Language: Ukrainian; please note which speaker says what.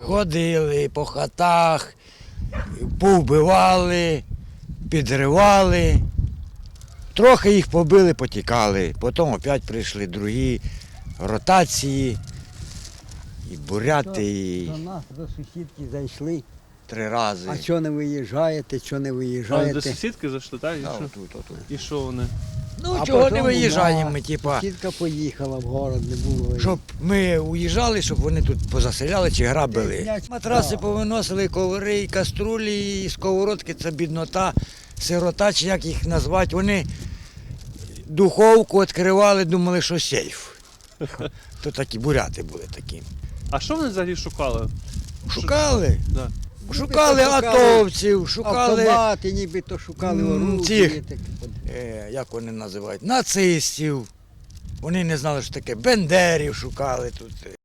Speaker 1: Ходили по хатах, повбивали, підривали. Трохи їх побили, потікали. Потім опять прийшли другі ротації, і буряти, і
Speaker 2: До нас, до сусідки зайшли.
Speaker 1: 3 рази.
Speaker 2: А чого не виїжджаєте, чого не
Speaker 3: А, до
Speaker 2: виїжджаєте?
Speaker 3: сусідки зайшли, так? І
Speaker 1: Та,
Speaker 3: що?
Speaker 1: отут, отут.
Speaker 3: І що вони?
Speaker 1: Ну,
Speaker 2: А
Speaker 1: чого не
Speaker 2: потім
Speaker 1: виїжджаємо
Speaker 2: на-
Speaker 1: ми, типа,
Speaker 2: Сусідка поїхала в город, не було.
Speaker 1: щоб ми уїжджали, щоб вони тут позаселяли чи грабили.
Speaker 2: Знять-
Speaker 1: Матраси
Speaker 2: Да.
Speaker 1: повиносили, коври, і каструлі, і сковородки, це біднота, сирота, чи як їх назвати. Вони духовку відкривали, думали, що сейф. То такі буряти були такі.
Speaker 3: А що вони взагалі шукали?
Speaker 1: Шукали.
Speaker 3: Да.
Speaker 1: Шукали атовців, шукали,
Speaker 2: Автомати, нібито шукали оружие.
Speaker 1: цих.
Speaker 2: таке.
Speaker 1: як вони називають, нацистів. Вони не знали, що таке, бендерів шукали тут.